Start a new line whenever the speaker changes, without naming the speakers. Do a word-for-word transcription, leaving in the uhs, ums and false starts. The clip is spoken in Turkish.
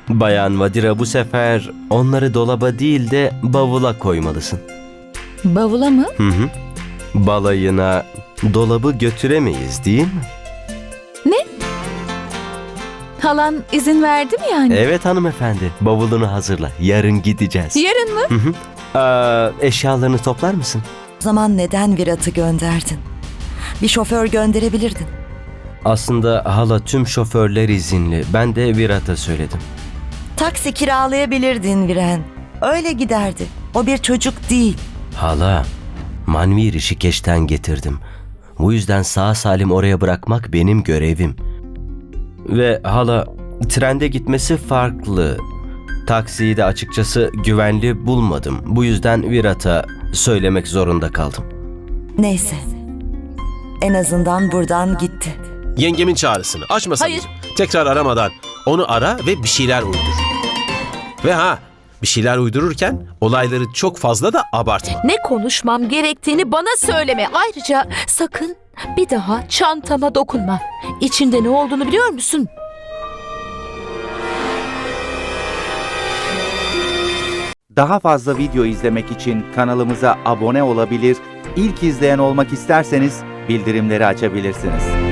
Bayan Vadira, bu sefer onları dolaba değil de bavula koymalısın.
Bavula mı?
Hı hı. Balayına dolabı götüremeyiz değil mi?
Halan izin verdi mi yani?
Evet hanımefendi. Bavulunu hazırla. Yarın gideceğiz.
Yarın mı?
Hı hı. Aa, eşyalarını toplar mısın?
O zaman neden Virat'ı gönderdin? Bir şoför gönderebilirdin.
Aslında hala tüm şoförler izinli. Ben de Virat'a söyledim.
Taksi kiralayabilirdin Viren. Öyle giderdi. O bir çocuk değil.
Hala, Manvi Rişikeş'ten getirdim. Bu yüzden sağ salim oraya bırakmak benim görevim. Ve hala, trende gitmesi farklı. Taksiyi de açıkçası güvenli bulmadım. Bu yüzden Virat'a söylemek zorunda kaldım.
Neyse. En azından buradan gitti.
Yengemin çağrısını açmasın.
Hayır.
Tekrar aramadan onu ara ve bir şeyler uydur. Ve ha, bir şeyler uydururken olayları çok fazla da abartma.
Ne konuşmam gerektiğini bana söyleme. Ayrıca sakın bir daha çantama dokunma. İçinde ne olduğunu biliyor musun?
Daha fazla video izlemek için kanalımıza abone olabilir, ilk izleyen olmak isterseniz bildirimleri açabilirsiniz.